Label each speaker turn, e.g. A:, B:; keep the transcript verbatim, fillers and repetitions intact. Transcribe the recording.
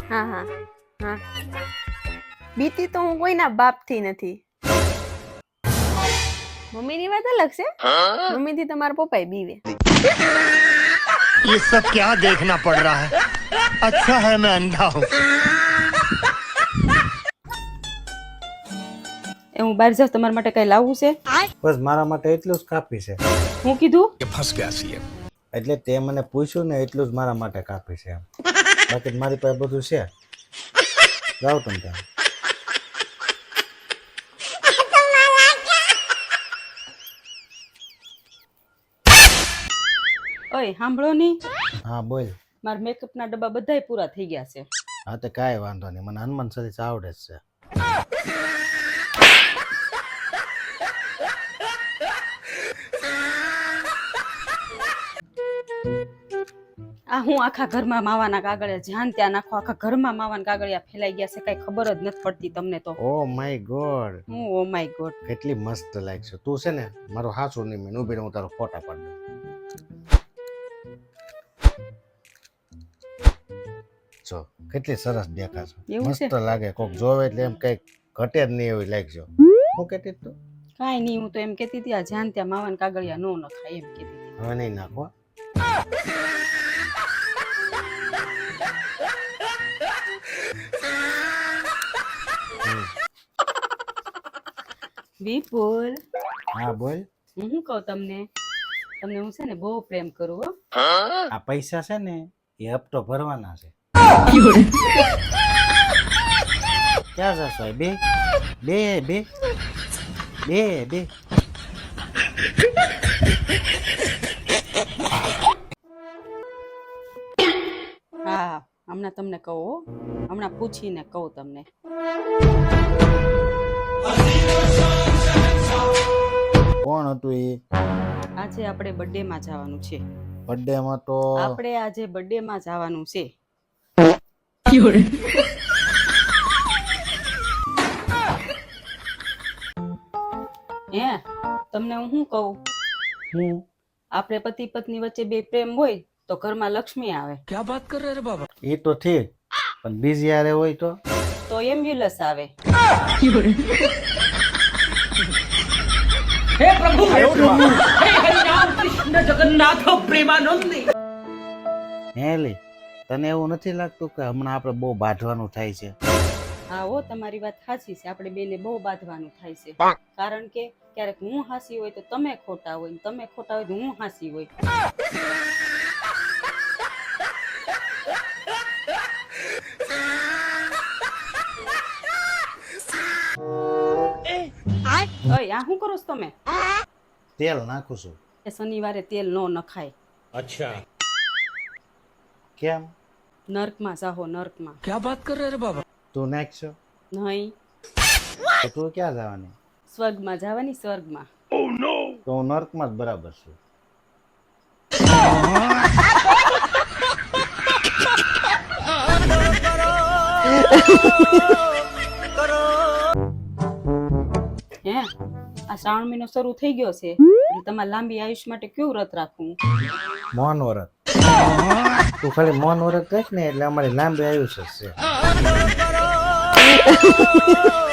A: હા હા હા બીતી તો હું કોઈના બાપથી નથી. મમ્મીની વાત અલગ છે. મમ્મીથી તમારા પપ્પાએ બીવે.
B: ये सब क्या देखना पड़ रहा है? अच्छा है मैं अंधा हूँ.
C: એ હું બહાર જાઉં, તમારા માટે કઈ લાવવું છે?
D: બસ મારા માટે એટલું જ કાફી છે.
C: હું કીધું?
B: फंस गया सीएम.
D: એટલે તે મને પૂછ્યું ને એટલું જ મારા માટે કાફી છે. બાકી મારી પાસે બધું છે. જાઓ તમે ત્યાં.
C: ઓય સાંભળો ની,
D: હા બોલ.
C: મારા મેકઅપ ના ડબ્બા બધાય પૂરા થઈ ગયા છે.
D: હા તો કાંઈ વાંધો નહીં, મને હનુમાન ચાલીસા આવડે જ છે.
C: આ હું આખા ઘરમાં માવાના કાગળિયા જ્યાં ત્યાં નાખો, આખા ઘરમાં માવાના કાગળિયા ફેલાઈ ગયા છે, કઈ ખબર જ નથી પડતી તમને તો.
D: ઓ માય ગોડ,
C: હું ઓ માય ગોડ.
D: કેટલી મસ્ત લાગશે. તું છે ને મારો હાસુ નહીં, મેં ઉભી હું તારો ફોટા પાડી દઉં. જો કેટલી સરસ દેખાશે.
C: એવું છે?
D: મસ્ત લાગે. કોક જોવે એટલે એમ કઈ ઘટે જ નહીં એવી લાગશે. હું કહેતી તું?
C: કાંઈ નહીં, હું તો એમ કહેતી હતી આ જ્યાં ત્યાં માવાના કાગળિયા નો નખાય એમ કહેતી હતી.
D: હવે નહીં નાખો.
C: વિપુલ,
D: હા બોલ.
C: હું શું કહું તમને, તમને હું છે ને બહુ પ્રેમ કરું હો.
D: આ પૈસા છે ને એ હપ્તો ભરવાના છે. ક્યાં જશો? બે બે બે બે બે
C: હા, હમણાં તમને કહું હો, હમણાં પૂછીને કહું તમને.
D: કોણ હતું એ?
C: આજે આપણે બર્થડે માં જવાનું છે.
D: બર્થડે માં તો
C: આપણે આજે બર્થડે માં જવાનું છે. હે, તમને હું શું કહું,
D: હું
C: આપણે પતિ પત્ની વચ્ચે બે પ્રેમ હોય તો ઘરમાં લક્ષ્મી આવે.
B: क्या बात कर रहे हैं बाबा?
D: એ તો ઠીક, પણ બીજી યારે હોય તો
C: તો એમ્બ્યુલન્સ આવે.
E: हे प्रभु हे प्रभु हे हरिनाम कृष्ण जगन्नाथ प्रेमानंद.
D: હે લે, તને એવું નથી લાગતું કે હમણાં આપણે બહુ બાંધવાનું થાય છે?
C: હા હો, તમારી વાત સાચી છે, આપણે બેને બહુ બાંધવાનું થાય છે. કારણ કે ક્યારેક હું હાસી હોય તો તમે ખોટા હોય, ને તમે ખોટા હોય તો હું હાસી હોય. ઓય, આ શું કરો છો તમે?
D: તેલ નાખું છું.
C: એ શનિવારે તેલ નો નખાય.
B: अच्छा.
D: કેમ?
C: નર્કમાં જાહો, નર્કમાં.
B: क्या बात कर रहे हैं बाबा?
D: તું નાખશો
C: નહીં,
D: તો તું ક્યાં જવાની?
C: સ્વર્ગમાં જવાની, સ્વર્ગમાં.
D: તો હું નર્કમાં જ બરાબર છું.
C: હે, આ શ્રાવણ મહિનો શરૂ થઈ ગયો છે, એટલે તમારે લાંબી આયુષ માટે કયું વ્રત રાખવું?
D: મૌન વ્રત. તું ખાલી મૌન વ્રત રાખ ને એટલે અમારી લાંબી આયુષ્ય જ છે.